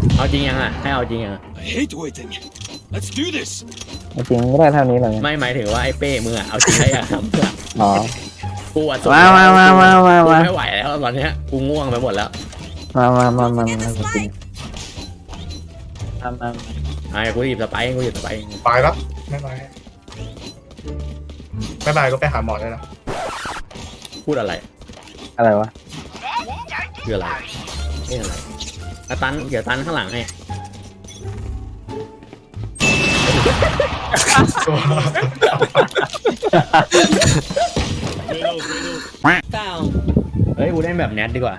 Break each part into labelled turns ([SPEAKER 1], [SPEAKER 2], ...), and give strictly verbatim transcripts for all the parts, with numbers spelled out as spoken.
[SPEAKER 1] เอาจริงยังอ่ะให้เอาจริงยัง
[SPEAKER 2] I hate waiting. Let's do this.
[SPEAKER 3] จริงก็ได้เท่านี้เลย
[SPEAKER 1] ไม่หมายถึงว่าไอ้เป้มึงอ่ะเอาจริงได้ยังทำเพื่อ
[SPEAKER 3] อ๋อ
[SPEAKER 1] กูอ่ะ
[SPEAKER 3] มามามามามา
[SPEAKER 1] กู
[SPEAKER 3] มา
[SPEAKER 1] ไม่ไหวแล้วตอนเนี้ยกูง่วงไปหมดแล้ว
[SPEAKER 3] มามามามามาจริงมามา
[SPEAKER 1] ไอ้กูหยิบสไปร์กูหยิบสไปร์
[SPEAKER 4] ตายแล้วไม่ตายไม่ตายก็ไปหาหมอได้แล้ว
[SPEAKER 1] พูดอะไร
[SPEAKER 3] อะไรวะ
[SPEAKER 1] คืออะไรนี่อะไรอ่ะตันเดี๋ยวตันข้างหลังให้
[SPEAKER 5] Found.
[SPEAKER 1] เฮ้ยกูเล่นแบบแนทดีกว่า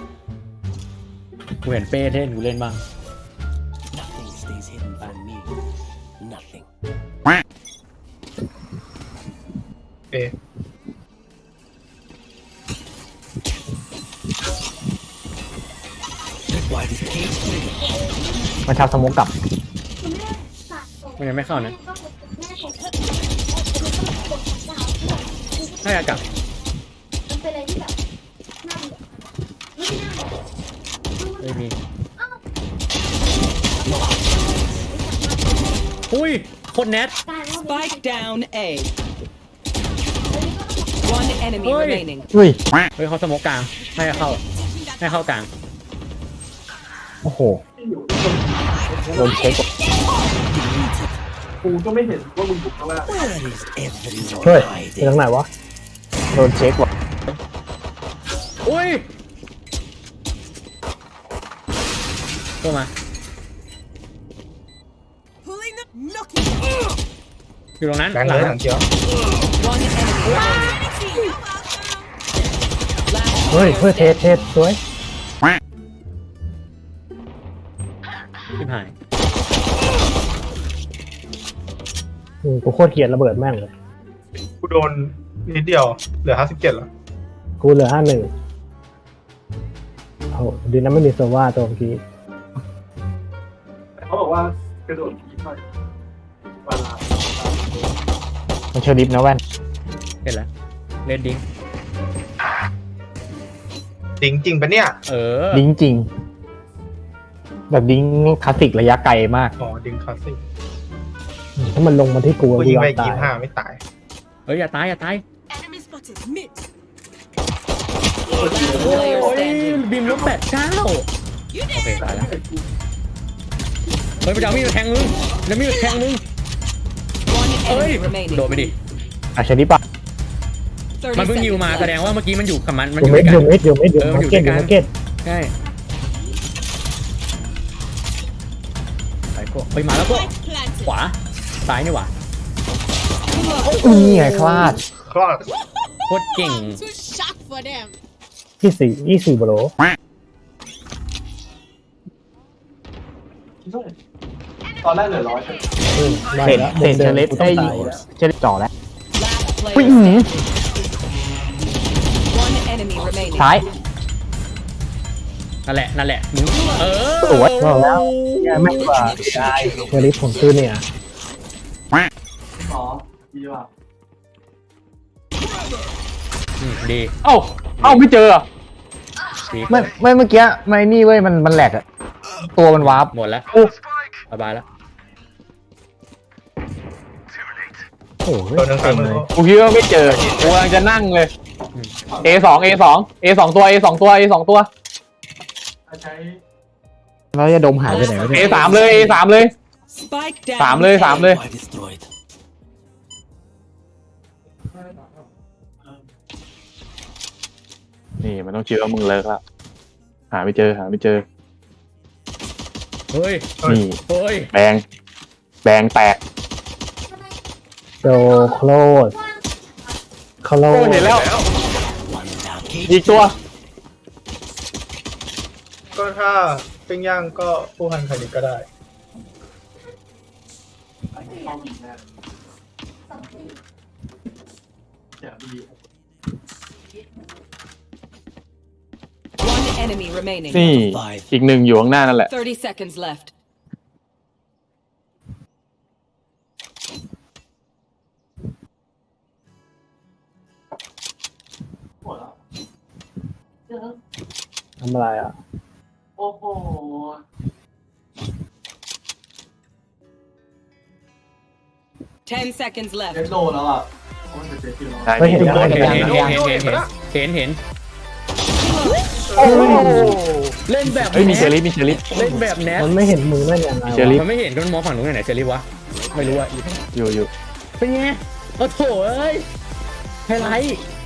[SPEAKER 1] กูเห็นเป้เล่นกูเล่นบ้าง
[SPEAKER 2] Nothing stays hidden from me. Nothing.
[SPEAKER 4] เอ
[SPEAKER 2] Why did Kate win?
[SPEAKER 3] มันชาวสมุกกลับ
[SPEAKER 1] มันยังไม่เข้านะให้อากลับ
[SPEAKER 6] มันเป็นอะไรที่แบบน่าเบื่อไม่น่าเบื่อ
[SPEAKER 1] เฮ้ยมีอุ้ยโคตรแนท
[SPEAKER 5] Spike down A. One enemy
[SPEAKER 1] Oi.
[SPEAKER 5] remaining.
[SPEAKER 3] เฮ้ย
[SPEAKER 1] เฮ้ยเขาสโมกกลางให้เข้าให้เข้ากลาง
[SPEAKER 3] โอ้โหโดนเช็ค
[SPEAKER 4] กูก็ไม่เห็นว่ามึงบุกเข้ามา
[SPEAKER 2] Where is everyone
[SPEAKER 3] เฮ้ยไป
[SPEAKER 2] hiding?
[SPEAKER 3] ทางไหนวะโดนเช็คว่ะ
[SPEAKER 1] อุ้ยเข้ามาอยู่ตรงนั้น
[SPEAKER 4] แบงค์เลยถังเขียว
[SPEAKER 5] One enemy remaining. Last
[SPEAKER 3] เฮ้ยเฮ้ย
[SPEAKER 5] player
[SPEAKER 3] เทสเทสสวย
[SPEAKER 1] ชิบหาย
[SPEAKER 3] อืมกูโคตรเกลียดระเบิดแม่งเลย
[SPEAKER 4] กูโดนนิดเดียวเหลือห้าสิบเจ็ดแล้ว
[SPEAKER 3] กูเหลือห้าหนึ่งโอ้โหดีนะไม่มีโซว่าตัวเมื่อกี้
[SPEAKER 4] เขาบอกว่ากระโดดผีไปเวลา
[SPEAKER 3] มันเชอร์ลิฟนะแว่น
[SPEAKER 1] เห็นแล้วเล่นดิ้ง
[SPEAKER 4] จริงจริงปะเนี่ย
[SPEAKER 1] เออ
[SPEAKER 3] ดิ้งจริง แบบดิ้งคลาสสิกระยะไกลมาก
[SPEAKER 4] อ๋อดิงคลาสสิก
[SPEAKER 3] ถ้ามันลงมาที่กู
[SPEAKER 4] กู
[SPEAKER 3] กู
[SPEAKER 4] ยิง
[SPEAKER 3] ยอ
[SPEAKER 4] ไป
[SPEAKER 3] มตา
[SPEAKER 4] ยี่
[SPEAKER 3] ย
[SPEAKER 4] ห้าไม่ตาย
[SPEAKER 1] เฮ้ยอย่าตายอย่าตาย
[SPEAKER 5] player
[SPEAKER 1] โอ้ย
[SPEAKER 5] standing.
[SPEAKER 1] บีมลบแปดเก้าโอเคตายแล้วเฮ้ยไปเอามีดมาแทงมึงแล้วมีดมาแทงมึง
[SPEAKER 5] One
[SPEAKER 1] เอ้ย
[SPEAKER 5] enemy remaining.
[SPEAKER 1] โดนไปดิ
[SPEAKER 3] อ่ะเชอร์ลิฟปะ
[SPEAKER 5] thirty
[SPEAKER 1] มันเพิ่งยิว
[SPEAKER 5] seconds
[SPEAKER 1] มา
[SPEAKER 5] left.
[SPEAKER 1] แสดงว่าเมื่อกี้มันอยู่กับมันมัน
[SPEAKER 3] อ
[SPEAKER 1] อยู่ ยู่
[SPEAKER 3] เม็
[SPEAKER 1] ด้
[SPEAKER 3] ด
[SPEAKER 1] วย
[SPEAKER 3] อ
[SPEAKER 1] กั
[SPEAKER 3] ยู่
[SPEAKER 1] น
[SPEAKER 3] เม็ดอยู่เม็ดอยู่
[SPEAKER 1] เออ
[SPEAKER 3] มา
[SPEAKER 1] อยู่
[SPEAKER 3] ร์เก็ต
[SPEAKER 1] ด้
[SPEAKER 3] อ
[SPEAKER 1] วย
[SPEAKER 3] ยู่
[SPEAKER 1] กัน
[SPEAKER 3] มาร์เก็ต
[SPEAKER 1] ใช่ไปโก้ไปมาแล้วโก้ขวาซ้ายนี่หว่า
[SPEAKER 3] นี่ไงคลาด
[SPEAKER 4] คลอด
[SPEAKER 1] โคตรเก่ง
[SPEAKER 6] Too shocked for them
[SPEAKER 3] ยี่สี่ยี่สี่บโล
[SPEAKER 4] ตอนแรกเหลือร้อย
[SPEAKER 3] เห็นเห็นเชอร์ลิฟได้เชอร์ลิฟจ่อแล้ว
[SPEAKER 5] Last
[SPEAKER 3] อุ้ย
[SPEAKER 5] player
[SPEAKER 3] อื้อหือ
[SPEAKER 5] standing. One enemy remaining.
[SPEAKER 3] ซ้าย
[SPEAKER 1] นั่นแหละนั่นแหละมึงเออ
[SPEAKER 3] สวยบอกแล้ว แย่ไม่กว่าได้เชอร์ลิฟผมซื้อเนี่ย
[SPEAKER 4] อ๋อดีว่ะ
[SPEAKER 1] อืมดี
[SPEAKER 3] เอ้าเอ้าไม่เจอ
[SPEAKER 1] ดี
[SPEAKER 3] ไม่ไม่เมื่อกี้ไม่นี่เว้ยมันมันแหลกอะตัวมันวาร์ป
[SPEAKER 1] หมดแล้ว
[SPEAKER 3] โอ้
[SPEAKER 1] สบายแล้ว
[SPEAKER 3] โห
[SPEAKER 4] โดนทั้งสามมือ
[SPEAKER 3] กูคิดว่าไม่เจอกูกำลังจะนั่งเลย A สอง A สอง A สองตัว A สองตัว A สองตัว
[SPEAKER 4] ใช้
[SPEAKER 3] แล้วจะดมหายไปไหนวะ A สามเลย A สามเลย
[SPEAKER 5] Spike down.
[SPEAKER 3] สามเลยสามเลย
[SPEAKER 2] Why destroyed?
[SPEAKER 7] นี่มันต้องเชื่อว่ามึงเลิกแล้วหาไม่เจอหาไม่เจอ
[SPEAKER 1] เฮ้ย
[SPEAKER 7] นี่
[SPEAKER 1] เฮ้ย
[SPEAKER 7] แบงแบงแตก
[SPEAKER 3] โดโคลดโคล
[SPEAKER 7] โอ้
[SPEAKER 3] ด
[SPEAKER 7] เห็นแล้ว
[SPEAKER 2] One down. Kate.
[SPEAKER 7] อีกตัว
[SPEAKER 4] ก็ถ้าปิ้งย่างก็ผู้พันคณิตก็ได้
[SPEAKER 5] One enemy remaining.
[SPEAKER 7] นี่อีกหนึ่งอยู่ข้างหน้านั่นแหละ
[SPEAKER 5] thirty seconds left.
[SPEAKER 3] ทำอะไรอ่ะ
[SPEAKER 4] โอ้โห
[SPEAKER 5] Ten seconds left.
[SPEAKER 7] ใช่
[SPEAKER 8] ไม่เห็น
[SPEAKER 7] พี่
[SPEAKER 8] ยังไม่
[SPEAKER 1] เห็น
[SPEAKER 8] เห็น
[SPEAKER 1] เห็น
[SPEAKER 8] ยัง
[SPEAKER 1] เห็นเห็นเห็นเห็นเห็น
[SPEAKER 3] โอ้โห
[SPEAKER 1] เล่นแบบ
[SPEAKER 7] เฮ้ยมีเชอรี่มีเชอรี่
[SPEAKER 1] เล่นแบบแนท
[SPEAKER 8] มันไม่เห็นมือได้ยังไง
[SPEAKER 7] เชอรี่
[SPEAKER 1] มันไม่เห็นก็มันมองฝั่งนู้นไหนเชอรี่วะไม่รู้อะ
[SPEAKER 7] อยู่อยู่
[SPEAKER 1] เป็นไงโอ้โถเอ้ยไฮไลท์